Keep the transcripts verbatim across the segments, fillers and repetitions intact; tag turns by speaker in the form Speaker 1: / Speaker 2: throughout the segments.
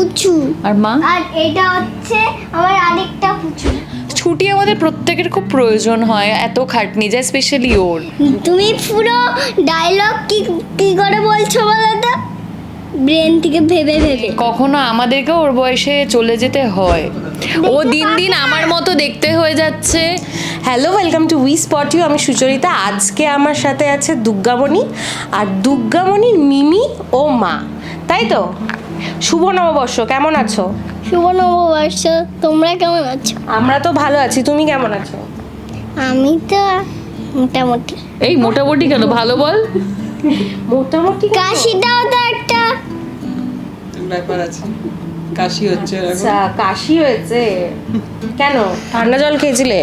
Speaker 1: পুচু
Speaker 2: আর মা
Speaker 1: আর এটা হচ্ছে আমার আরেকটা পুচু।
Speaker 2: ছুটি আমাদের প্রত্যেকের খুব প্রয়োজন হয়, এত খাটনি যায় স্পেশালি ওর।
Speaker 1: তুমি পুরো ডায়লগ কি কি করে বলছো বলো তো, ব্রেন থেকে ভেবে ভেবে।
Speaker 2: কখনো আমাদেরকে ওর বয়সে চলে যেতে হয়, ও দিন দিন আমার মতো দেখতে হয়ে যাচ্ছে।
Speaker 3: Hello, welcome to we spot you. আমি সুচরিতা। আজকে আমার সাথে আছে দুর্গামণি, আর দুর্গামণির মিমি ও মা, তাই তো? শুভ নববর্ষ, কেমন আছো?
Speaker 1: শুভ নববর্ষ, তোমরা কেমন আছো?
Speaker 3: আমরা তো ভালো আছি, তুমি কেমন আছো?
Speaker 1: আমি তো মোটামুটি।
Speaker 2: এই মোটামুটি কেন, ভালো বল।
Speaker 3: মোটামুটি।
Speaker 1: কাশিটাও তো একটা
Speaker 4: ব্যাপার আছে, কাশি হচ্ছে এরকম।
Speaker 3: আচ্ছা, কাশি হয়েছে কেন? ঠান্ডা জল খেয়েছিলে?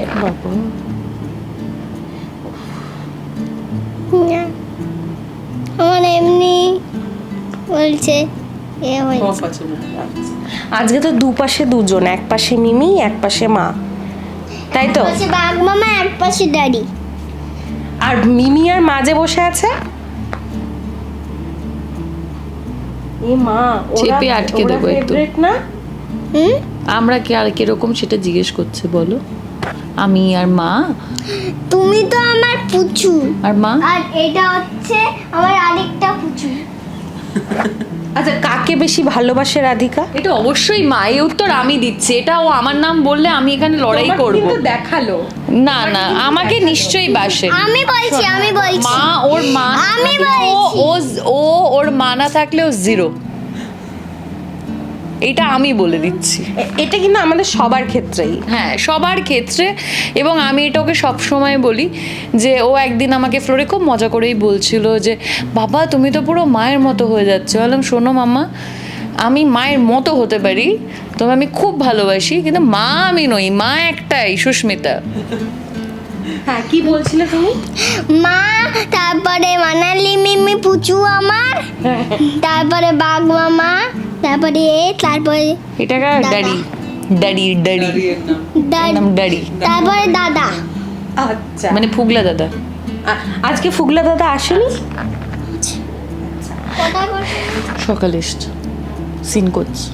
Speaker 1: না, আমার এমনি বলছে এ হয়েছে।
Speaker 4: কফ আছে না?
Speaker 3: আজকে তো দুপাশে দুজন, এক পাশে মিমি, এক পাশে মা, তাই তো?
Speaker 1: এক পাশে বাঘ মামা, এক পাশে দাড়ি।
Speaker 3: আর মিমি আর মাঝে বসে আছে এ মা, ওরা-
Speaker 2: চেপে আটকে
Speaker 3: ওরা
Speaker 2: দেবো একটু।
Speaker 3: favorite না?
Speaker 1: হুম,
Speaker 2: আমরা কি আর কিরকম সেটা জিজ্ঞেস করছে বলো। আমি আর মা
Speaker 1: তুমি তো আমার পুচু
Speaker 2: আর মা
Speaker 1: আর এটা হচ্ছে আমার আরেকটা পুচু।
Speaker 3: আচ্ছা, কাকে বেশি ভালোবাসে রাধিকা?
Speaker 2: এটা অবশ্যই মা, এই উত্তর আমি দিচ্ছি। এটা ও আমার নাম বললে আমি এখানে লড়াই
Speaker 3: তোমাকে
Speaker 2: করব।
Speaker 3: কিন্তু দেখালো।
Speaker 2: না না, আমাকে নিশ্চয়ই বাসে।
Speaker 1: আমি বলছি আমি বলছি
Speaker 2: মা ওর মা
Speaker 1: আমি
Speaker 2: ও
Speaker 1: বলছি।
Speaker 2: ও ও ওর মা না থাকলে ও জিরো, এটা আমি বলে দিচ্ছি।
Speaker 3: এ- এটা কিন্তু আমাদের সবার ক্ষেত্রেই।
Speaker 2: হ্যাঁ, সবার ক্ষেত্রে। এবং আমি এটা ওকে সবসময় বলি যে ও একদিন আমাকে ফ্লোরে খুব মজা করেই বলছিল যে বাবা তুমি তো পুরো মায়ের মতো হয়ে যাচ্ছে। বললাম শোনো মাম্মা, আমি মায়ের মতো হতে পারি, তবে আমি খুব ভালোবাসি, কিন্তু মা আমি নই, মা একটাই, সুস্মিতা।
Speaker 3: হ্যাঁ, কি বলছিলে তুমি?
Speaker 1: মা, তারপরে মানালি মিমি পুচু আমার, তারপরে বাঘ মামা, তারপরে এ, তারপরে
Speaker 2: এটা
Speaker 1: দাদা।
Speaker 2: ড্যাডি ড্যাডি ড্যাডি
Speaker 4: দাঁড়িয়ে নাম
Speaker 1: দা-
Speaker 2: নাম ড্যাডি,
Speaker 1: তারপরে দাদা।
Speaker 3: আচ্ছা,
Speaker 2: মানে ফুগলা দাদা।
Speaker 3: আ- আজকে ফুগলা দাদা আসেনি?
Speaker 1: কোথায় করছে?
Speaker 2: সকালে এসছে, সিন করছে।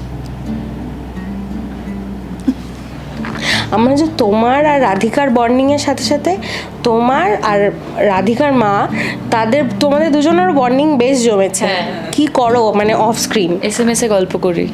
Speaker 3: আমরা যে তোমার আর রাধিকার বন্ডিং এর সাথে সাথে তোমার আর রাধিকার মা, তাদের তোমাদের দুজনের বন্ডিং বেশ জমেছে।
Speaker 2: হ্যাঁ।
Speaker 3: কি করো মানে off screen?
Speaker 2: S M S এ গল্প করি।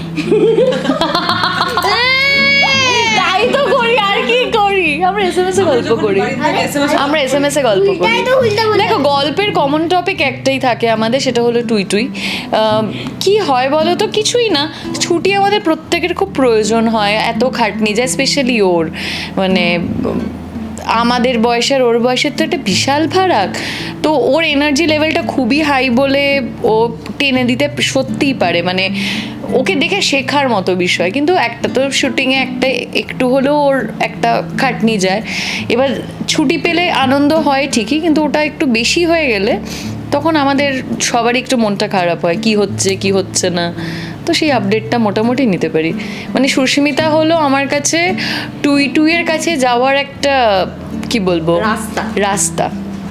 Speaker 2: তাই তো করি, আর কি করি, আমরা এস এম এস এ গল্প করি। আমরা এস এম এস এ গল্প করি।
Speaker 1: উল্টাই তো উল্টা বলে।
Speaker 2: দেখো, গল্পের কমন টপিক একটাই থাকে আমাদের, সেটা হলো টুই টুই। আহ, কি হয় বলো তো, কিছুই না, ছুটি আমাদের প্রত্যেকের খুব প্রয়োজন হয়, এত খাটনি যায় স্পেশালি ওর। মানে উম, আমাদের বয়সের ওর বয়সের তো একটা বিশাল ফারাক। তো ওর এনার্জি লেভেলটা খুবই হাই বলে ও টেনে দিতে সত্যিই পারে, মানে ওকে দেখে শেখার মতো বিষয়। কিন্তু একটা তো শুটিংয়ে একটা একটু হলেও ওর একটা খাটনি যায়। এবার ছুটি পেলে আনন্দ হয় ঠিকই, কিন্তু ওটা একটু বেশি হয়ে গেলে তখন আমাদের সবারই একটু মনটা খারাপ হয়, কি হচ্ছে কি হচ্ছে না। তো সেই আপডেটটা মোটামুটি নিতে পারি। মানে সুস্মিতা হলো আমার কাছে টুই টুইয়ের কাছে যাওয়ার একটা, কি বলবো,
Speaker 3: রাস্তা।
Speaker 2: রাস্তা।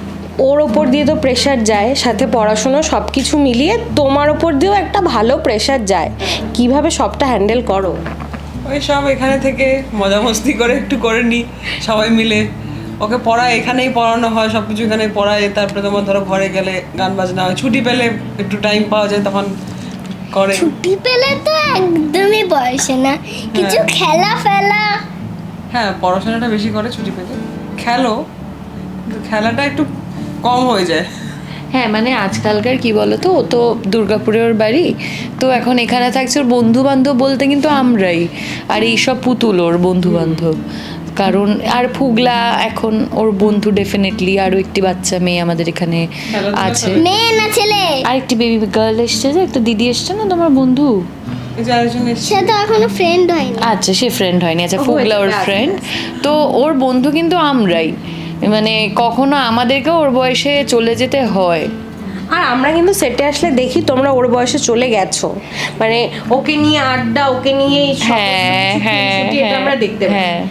Speaker 3: ওর ওপর দিয়ে তো প্রেশার যায়, সাথে পড়াশোনা সব কিছু মিলিয়ে তোমার ওপর দিয়েও একটা ভালো প্রেশার যায়। কিভাবে সবটা হ্যান্ডেল করো?
Speaker 4: ওই সব এখানে থেকে মজা মস্তি করে একটু করে নিই সবাই মিলে। ওকে পড়ায়, এখানেই পড়ানো হয়, সব কিছু এখানেই পড়ায়। তারপরে তোমার ধরো ঘরে গেলে গান বাজনা হয়, ছুটি পেলে একটু টাইম পাওয়া যায় তখন করে।
Speaker 1: ছুটি পেলে তো একদমই বয়সে না, কিছু
Speaker 4: হ্যাঁ।
Speaker 1: খেলা ফেলা।
Speaker 4: হ্যাঁ, পড়াশোনাটা বেশি করে ছুটি পেলে। খেলো, কিন্তু খেলাটা একটু কম হয়ে যায়।
Speaker 2: হ্যাঁ, মানে আজকালকার কি বলতো, ও তো দুর্গাপুরে ওর বাড়ি, তো এখন এখানে থাকছে। ওর বন্ধু বান্ধব বলতে কিন্তু আমরাই, আর এইসব পুতুল ওর বন্ধু বান্ধব। কারণ আর ফুগলা এখন ওর বন্ধু ডেফিনেটলি, আরও একটি বাচ্চা মেয়ে আমাদের এখানে আছে,
Speaker 1: মেয়ে না ছেলে?
Speaker 2: আর একটি বেবি গার্ল এসছে, যে একটা দিদি এসছে না তোমার বন্ধু।
Speaker 4: এই যে আরেকজন এসছে,
Speaker 1: সে তো এখনো ফ্রেন্ড হয়নি।
Speaker 2: আচ্ছা, সে ফ্রেন্ড হয়নি। আচ্ছা,
Speaker 3: ও,
Speaker 2: ফুগলা ওর
Speaker 3: আচ্ছা,
Speaker 2: ফ্রেন্ড। তো ওর বন্ধু কিন্তু আমরাই, মানে কখনো আমাদেরকে ওর বয়সে চলে যেতে হয়।
Speaker 3: আর আমরা কিন্তু সেটে আসলে দেখি তোমরা ওর বয়সে চলে গেছো, মানে ওকে নিয়ে আড্ডা, ওকে নিয়ে এই সমস্ত
Speaker 2: হ্যাঁ
Speaker 3: কিছু
Speaker 2: হ্যাঁ
Speaker 3: খুনসুটি, এটা আমরা দেখতে পাই।
Speaker 2: হ্যাঁ।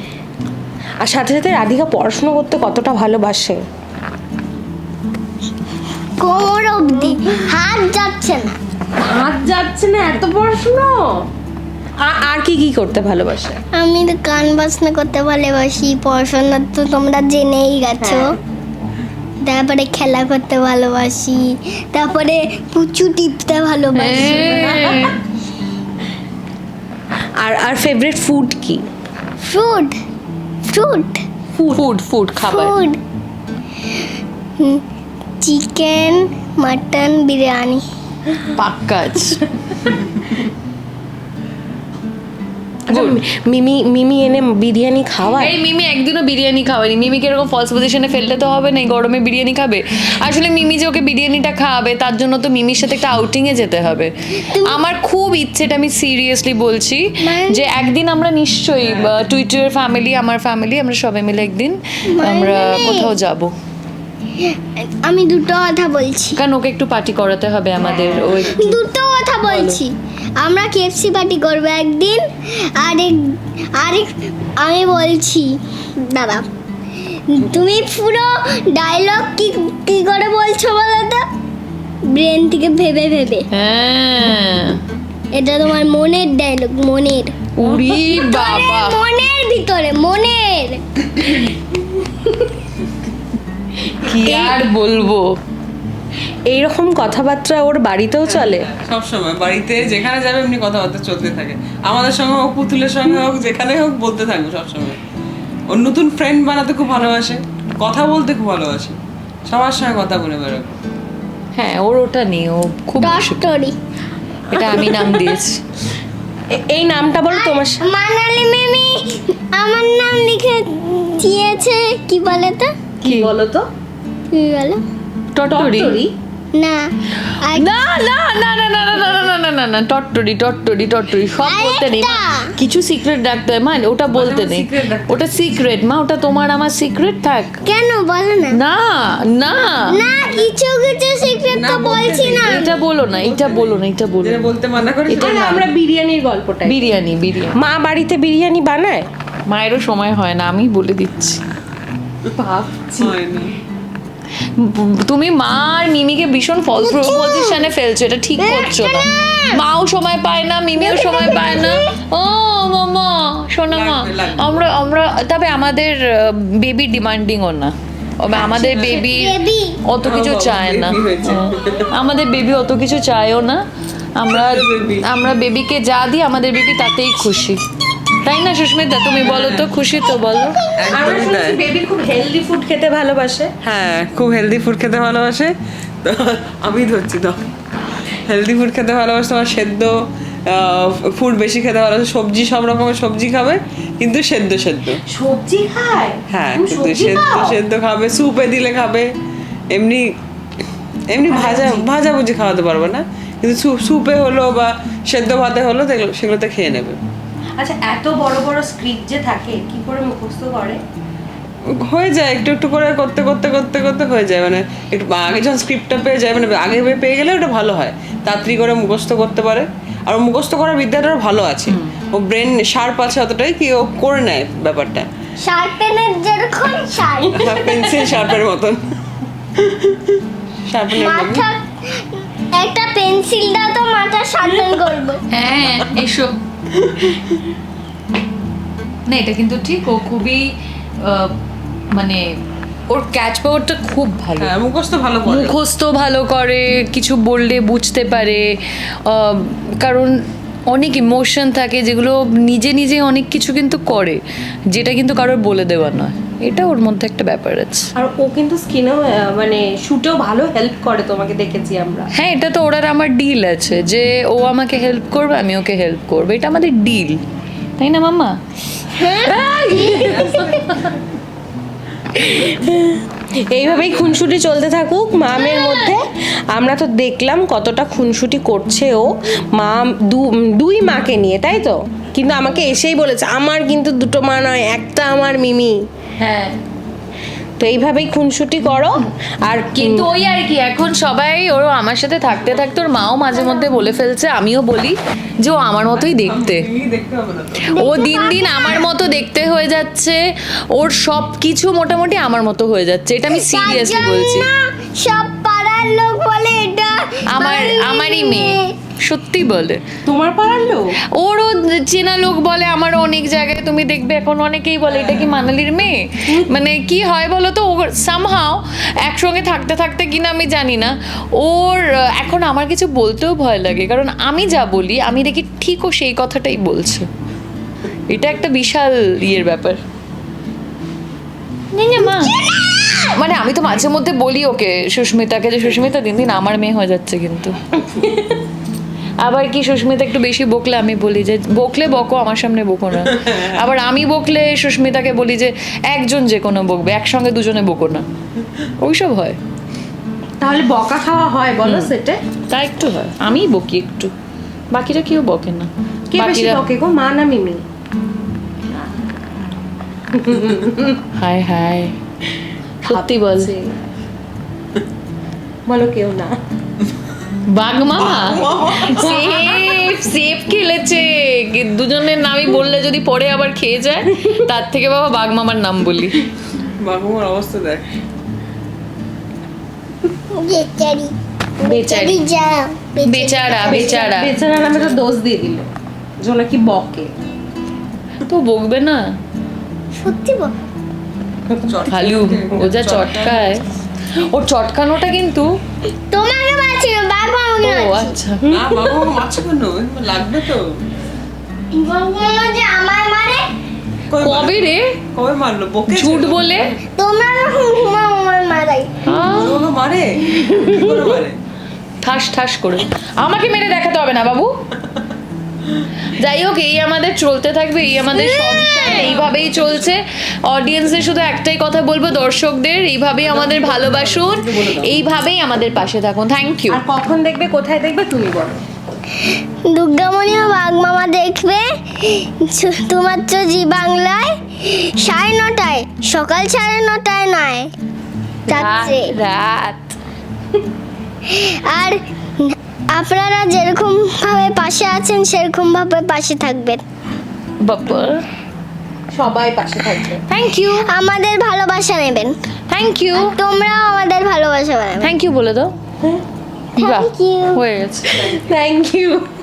Speaker 3: আর সাথে সাথে রাধিকা পড়াশোনা করতে কতটা ভালোবাসে।
Speaker 1: কোমর অবধি, হাত যাচ্ছে না।
Speaker 3: হাত যাচ্ছে না, এত পড়াশোনা। আ- আর কি কি করতে ভালোবাসে?
Speaker 1: আমি তো গান বাজনা করতে ভালোবাসি, পড়াশোনা তো তোমরা জেনেই গেছো।
Speaker 3: হ্যাঁ।
Speaker 1: তারপরে খেলা করতে ভালোবাসি, তারপরে পুচু টিপতে ভালোবাসি।
Speaker 2: হ্যাঁ।
Speaker 3: আর আর ফেভারিট ফুড কি?
Speaker 1: ফ্রুট ফ্রুট
Speaker 2: ফুড ফুড খাবার
Speaker 1: ফুড চিকেন, মাটন, বিরিয়ানি।
Speaker 2: পাক্কাজ।
Speaker 3: আচ্ছা, মিমি মিমি এনে বিরিয়ানি খাওয়ায়?
Speaker 2: এই মিমি একদিনও বিরিয়ানি খাওয়ানি। মিমিকে এরকম ফলস পজিশনে ফেললে তো হবে না, এই গরমে বিরিয়ানি খাবে। আসলে মিমি যে ওকে বিরিয়ানিটা খাওয়াবে তার জন্য তো মিমির সাথে একটা আউটিংয়ে যেতে হবে। আমার খুব ইচ্ছে, এটা আমি সিরিয়াসলি বলছি, যে একদিন আমরা নিশ্চয়ই টুইটার ফ্যামিলি, আমার ফ্যামিলি, আমরা সবাই মিলে একদিন আমরা কোথাও যাব।
Speaker 1: আমি দুটো কথা বলছি,
Speaker 2: কারণ ওকে একটু পার্টি করাতে হবে আমাদের। ওই
Speaker 1: দুটো কথা বলছি। আমরা কেএফসি পার্টি করবো একদিন, আরেক আরেক আমি বলছি, দাদা তুমি পুরো ডায়লগ কি কি করে বলছো বলো তো, ব্রেন থেকে ভেবে ভেবে।
Speaker 2: হ্যাঁ,
Speaker 1: এটা তোমার মনের ডায়লগ, মনের
Speaker 2: উড়ি বাবা।
Speaker 1: মনের ভিতরে, মনের।
Speaker 2: কি আর বলবো।
Speaker 3: এইরকম কথাবার্তা ওর বাড়িতেও চলে?
Speaker 4: সব সময় বাড়িতে যেখানে যাবে এমনি কথাবার্তা চলতে থাকে, আমাদের সঙ্গে হোক, পুতুলের সঙ্গে হোক, যেখানে হোক বলতে থাকবে সবসময়। ওর নতুন ফ্রেন্ড বানাতে খুব ভালোবাসে, কথা বলতে খুব ভালোবাসে, সবার সঙ্গে কথা বলে বেরোবে।
Speaker 2: হ্যাঁ, ওর ওটা নেই, ও খুব মিশুক।
Speaker 1: স্টোরি
Speaker 2: এটা আমি নাম দিয়েছি।
Speaker 3: এ- এই নামটা বলো তোমার সা-
Speaker 1: মানালি মিমি আমার নাম লিখে দিয়েছে, কি বলে তো,
Speaker 3: কি বলো তো?
Speaker 1: কি বলো
Speaker 2: টট্টরি।
Speaker 3: টরি?
Speaker 1: না আর
Speaker 2: না না না না না না না না না না না না টট্টরি টট্টরি টট্টরি সব বলতে নেই মা।
Speaker 1: আরেকটা।
Speaker 2: কিছু সিক্রেট রাখতে হয় মা, ওটা বলতে নেই।
Speaker 4: secret রাখতে
Speaker 2: ওটা সিক্রেট মা, ওটা তোমার আমার সিক্রেট থাক।
Speaker 1: কেন বলো না
Speaker 2: না না
Speaker 1: না কিছু কিছু সিক্রেট
Speaker 4: না,
Speaker 1: তো
Speaker 4: বলতে
Speaker 1: বলছি
Speaker 4: নেই।
Speaker 1: না।
Speaker 2: এটা বলো না, এটা বলো না, এটা বলো
Speaker 4: যেটা
Speaker 2: না।
Speaker 4: বলতে মানা করে
Speaker 2: এটা
Speaker 4: সেটা
Speaker 3: আরে
Speaker 4: না।
Speaker 3: আমরা বিরিয়ানির গল্পটাই।
Speaker 2: বিরিয়ানি বিরিয়ানি
Speaker 3: মা বাড়িতে বিরিয়ানি বানায়?
Speaker 2: মায়েরও সময় হয় না, আমি বলে দিচ্ছি।
Speaker 4: হয়নি।
Speaker 2: তুমি মা আর মিমিকে ভীষণ ফলস পজিশনে ফেলছো, এটা ঠিক করছো না। মাও সময় পায় না, মিমিও সময় পায় না। ও মামা, শোনো মা,
Speaker 4: লাগবে, লাগবে।
Speaker 2: আমরা আমরা তবে আমাদের বেবি ডিমান্ডিংও না। তবে আমাদের বেবি
Speaker 1: Baby?
Speaker 2: অত কিছু
Speaker 4: ও বাবা,
Speaker 2: চায় না।
Speaker 4: baby হয়েছে।
Speaker 2: হ্যাঁ। আমাদের বেবি অত কিছু চায়ও না। আমরা
Speaker 4: baby।
Speaker 2: আমরা বেবিকে যা দিই আমাদের বেবি তাতেই খুশি, তাই না সুস্মিতা? তুমি বলো তো, খুশি তো বলো।
Speaker 3: আমরা
Speaker 4: একদমই তাই।
Speaker 3: শুনছি বেবি খুব হেলদি ফুড খেতে ভালোবাসে।
Speaker 4: হ্যাঁ, খুব হেলদি ফুড খেতে ভালোবাসে। তো আমি ধরছি তো, হেলদি ফুড খেতে ভালোবাসে, তোমার সেদ্ধ ফুড বেশি খেতে ভালোবাসে, সবজি সব রকমের সবজি খাবে, কিন্তু সেদ্ধ সেদ্ধ।
Speaker 3: সবজি খায়?
Speaker 4: হ্যাঁ,
Speaker 3: তুমি
Speaker 4: কিন্তু
Speaker 3: সবজি
Speaker 4: সেদ্ধ
Speaker 3: খাও?
Speaker 4: সেদ্ধ খাবে, স্যুপে দিলে খাবে। এমনি এমনি ভাজা ভাজা ভুজি খাওয়াতে পারবে না, কিন্তু স্যুপ- স্যুপে হলো বা সেদ্ধ ভাতে হলো সেগুলো- সেগুলোতে খেয়ে নেবে।
Speaker 3: আচ্ছা, এত বড় বড় স্ক্রিপ্ট যে থাকে, কি করে মুখস্থ করে?
Speaker 4: হয়ে যায় একটু একটু করে করতে করতে করতে করতে হয়ে যায়, মানে একটু আগে যখন স্ক্রিপ্টটা পেয়ে যায়, মানে আগে পেয়ে গেলে ওটা ভালো হয়, তাড়াতাড়ি করে মুখস্থ করতে পারে। আর ও মুখস্থ করার বিদ্যাটাও ভালো আছে, ও ব্রেন শার্প আছে অতটাই কি ও করে নেয় ব্যাপারটা,
Speaker 1: শার্পেনের যেরকম শার্প,
Speaker 4: পেন্সিল শার্পের মতন। শার্পেনের মতন
Speaker 1: মাথা একটা পেন্সিল দাও তো মাথা শার্পেন করবো।
Speaker 2: হ্যাঁ, এসো। না, এটা কিন্তু ঠিক, ও খুবই আহ, মানে ওর ক্যাচ পাওয়ারটা খুব ভালো।
Speaker 4: হ্যাঁ, মুখস্থ ভালো করে।
Speaker 2: মুখস্থ ভালো করে, কিছু বললে বুঝতে পারে। আহ, কারণ অনেক ইমোশন থাকে যেগুলো নিজে নিজে অনেক কিছু কিন্তু করে, যেটা কিন্তু কারোর বলে দেওয়া নয়। এটা ওর মধ্যে একটা ব্যাপার আছে।
Speaker 3: আর ও কিন্তু স্কিনেও মানে শুটেও ভালো হেল্প করে, তোমাকে দেখেছি আমরা।
Speaker 2: হ্যাঁ, এটা তো ওর আর আমার ডিল আছে, যে ও আমাকে হেল্প করবে, আমি ওকে হেল্প করবো, এটা আমাদের ডিল, তাই না মাম্মা?
Speaker 3: এইভাবেই খুনসুটি চলতে থাকুক মামের মধ্যে। আমরা তো দেখলাম কতটা খুনসুটি করছে ও মা, দু- দুই মাকে নিয়ে, তাই তো? কিন্তু আমাকে এসেই বলেছে আমার কিন্তু দুটো মা নয়, একটা আমার মিমি।
Speaker 2: হ্যাঁ,
Speaker 3: তো এইভাবেই খুনসুটি করো। আর
Speaker 2: কিন্তু ওই আর কি, এখন সবাই ওর আমার সাথে থাকতে থাকতে ওর মাও মাঝে মধ্যে বলে ফেলছে, আমিও বলি যে ও আমার মতোই দেখতে।
Speaker 4: তুমি দেখতে হবে না তো।
Speaker 2: ও দিন দিন আমার মতো দেখতে হয়ে যাচ্ছে, ওর সব কিছু মোটামুটি আমার মতো হয়ে যাচ্ছে, এটা আমি সিরিয়াসলি
Speaker 1: তার
Speaker 2: বলছি।
Speaker 1: জন্য সব পাড়ার লোক বলে এটা
Speaker 2: আমার
Speaker 1: বাঙালি
Speaker 2: আমারই মেয়ে, সত্যি বলে।
Speaker 3: তোমার পাড়ার লোক?
Speaker 2: ওরও চেনা লোক বলে, আমারও অনেক জায়গায় তুমি দেখবে এখন অনেকেই বলে এটা কি মানালির মেয়ে। মানে কি হয় বলো তো, ওর সামহাও একসঙ্গে থাকতে থাকতে কিনা আমি জানি না, ওর আহ, এখন আমার কিছু বলতেও ভয় লাগে, কারণ আমি যা বলি আমি দেখি ঠিক ও সেই কথাটাই বলছে। এটা একটা বিশাল ইয়ের ব্যাপার। না, না, মা, মানে আমি তো মাঝে মধ্যে বলি ওকে, সুস্মিতাকে, যে সুস্মিতা দিন দিন আমার মেয়ে হয়ে যাচ্ছে কিন্তু। আবার কি সুস্মিতা একটু বেশি বকলে আমি বলি যে বকলে বকো, আমার সামনে বকো না। আবার আমি বকলে সুস্মিতাকে বলি যে একজন যে কোনো বকবে, একসঙ্গে দুজনে বকো না। ওইসব হয়।
Speaker 3: তাহলে বকা খাওয়া হয় বলো সেটে?
Speaker 2: তা একটু হয়, আমিই বকি একটু, বাকিরা কেউ বকে না।
Speaker 3: কে বেশি
Speaker 2: বাকিরা
Speaker 3: বকে গো, মা না মিমি?
Speaker 2: হায় হায়, সত্যি বল।
Speaker 3: ভাবছে। বলো কেউ না।
Speaker 2: বাঘ মামা সেফ সেফ খেলেছে, কি দুজনের নামই বললে যদি পরে আবার খেয়ে যায়, তার থেকে বাবা বাঘ মামার নাম বলি।
Speaker 4: বাবুমার অবস্থা দেখ।
Speaker 1: বেচারি
Speaker 2: বেচারি,
Speaker 1: যা
Speaker 2: বেচারা বেচারা।
Speaker 3: বেচারা নামে তো দোষ দিয়ে দিল, যে নাকি বকে।
Speaker 2: তো বকবে না,
Speaker 1: সত্যি বল।
Speaker 2: হালু ও যা চটকায়, ওর চটকানোটা কিন্তু।
Speaker 1: তোমাকে মারছি না, বাবা আমাকে
Speaker 2: ও
Speaker 1: মারছে।
Speaker 2: আচ্ছা,
Speaker 4: না বাবু মাছ কেন লাগবে তো?
Speaker 1: বাবা যে আমার মারে,
Speaker 4: কবে
Speaker 2: কবে
Speaker 4: মারলো?
Speaker 2: রে
Speaker 4: কবে মারলো? বকে
Speaker 2: ঝুট বলে?
Speaker 1: তোমরা যখন ঘুমাও আমার মারাই।
Speaker 2: আহ,
Speaker 4: বাবু মারে? কি করে মারে?
Speaker 2: ঠাস ঠাস করে। আমাকে মেরে দেখাতে হবে না বাবু। যাই হোক, এই আমাদের চলতে থাকবে, এই আমাদের সংসার এইভাবেই চলছে। অডিয়েন্সদের শুধু একটাই কথা বলবো, দর্শকদের এইভাবেই আমাদের ভালোবাসুন, এইভাবেই আমাদের পাশে থাকুন। Thank you.
Speaker 3: আর কখন দেখবে, কোথায় দেখবে তুমি বলো?
Speaker 1: দুর্গামণি ও বাঘ মামা দেখবে শুধুমাত্র জি বাংলায় সাড়ে নটায়, সকাল সাড়ে নটায় নয়, রাত্রে।
Speaker 2: রাত
Speaker 1: আর আপনারা যেরকম ভাবে পাশে আছেন সেরকম ভাবে পাশে থাকবেন।
Speaker 2: বাবা,
Speaker 3: সবাই পাশে থাকবে।
Speaker 2: থ্যাংক ইউ,
Speaker 1: আমাদের ভালোবাসা নেবেন,
Speaker 2: থ্যাংক ইউ,
Speaker 1: তোমরাও আমাদের ভালোবাসা নেবেন।
Speaker 2: থ্যাংক ইউ বলে দাও। বাহ,
Speaker 1: Thank you.
Speaker 2: হয়ে গেছে।
Speaker 3: Thank you.